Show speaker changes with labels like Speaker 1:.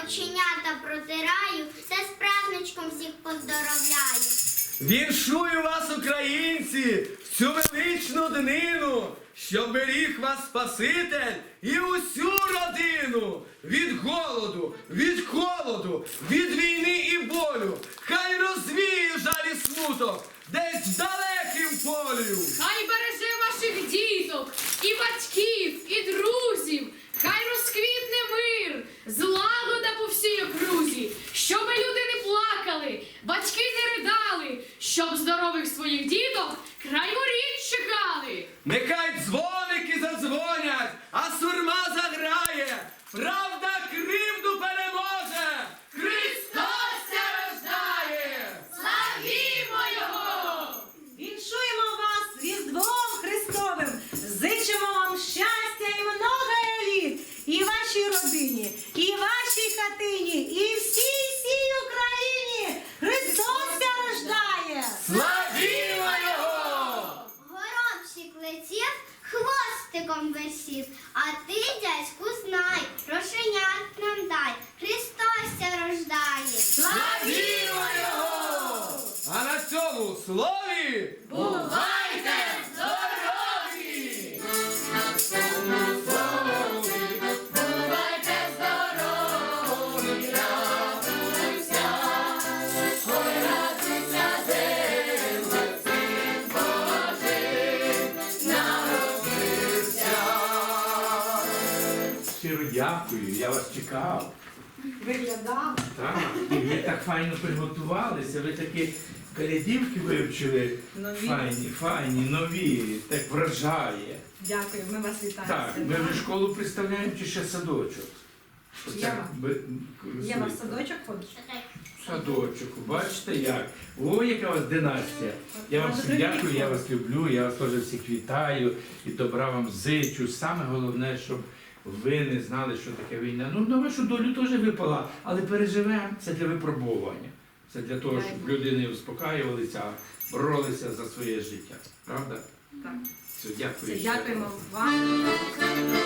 Speaker 1: оченята протираю, все з праздничком всіх поздоровляю.
Speaker 2: Віншую вас, українці, в цю величну днину, щоб беріг вас Спаситель і усю родину від голоду, від холоду, від війни і болю. Хай розвіє жаль і смуток десь в далекім полю.
Speaker 3: Хай береже ваших діток, і батьків, і друзів. Хай розквітне мир, злагода по всій окрузі, щоби люди не плакали, батьки не ридали, щоб здорових своїх діток край воріт чекали.
Speaker 2: Нехай дзвоники задзвонять, а сурма заграє. Правда кривду переможе. Христос ся рождає!
Speaker 3: Славімо Його!
Speaker 4: Віншуємо вас Різдвом Христовим, зичимо вам щастя і много літ, і вашій родині, і вашій хатині, і всій Україні. Христос ся рождає!
Speaker 2: Славімо Його!
Speaker 1: Горобчик летів, хвостиком висів, а ти, дядьку, знай, рошенят нам дай, Христос ся рождає.
Speaker 2: Славімо Його! А на цьому слові
Speaker 3: Бувайте
Speaker 2: здорові!
Speaker 3: Бувайте здорові, радуйся, ой, радуйся, земле, Син Божий народився.
Speaker 5: Щиро дякую, я вас чекав.
Speaker 4: Виглядав.
Speaker 5: Так, і ви так файно приготувалися, ви такі колядівки вивчили.
Speaker 4: Нові.
Speaker 5: Файні, нові, так вражає.
Speaker 4: Дякую, ми вас вітаємо.
Speaker 5: Так, ми вже школу представляємо чи ще садочок?
Speaker 4: Єва. Єва в
Speaker 5: Садочок.
Speaker 4: садочок ходиш?
Speaker 5: Садочок, бачите як? О, яка у вас династія. Я вам всім дякую, я вас люблю, я вас теж всіх вітаю і добра вам зичу. Саме головне, щоб ви не знали, що таке війна. Ну, на вашу долю теж випала, але переживемо. Це для випробування. Це для того, щоб люди не успокаювалися, а боролися за своє життя. Правда?
Speaker 4: Так.
Speaker 5: Все, дякую.
Speaker 4: Все,
Speaker 5: ще раз.
Speaker 4: дякуємо вам.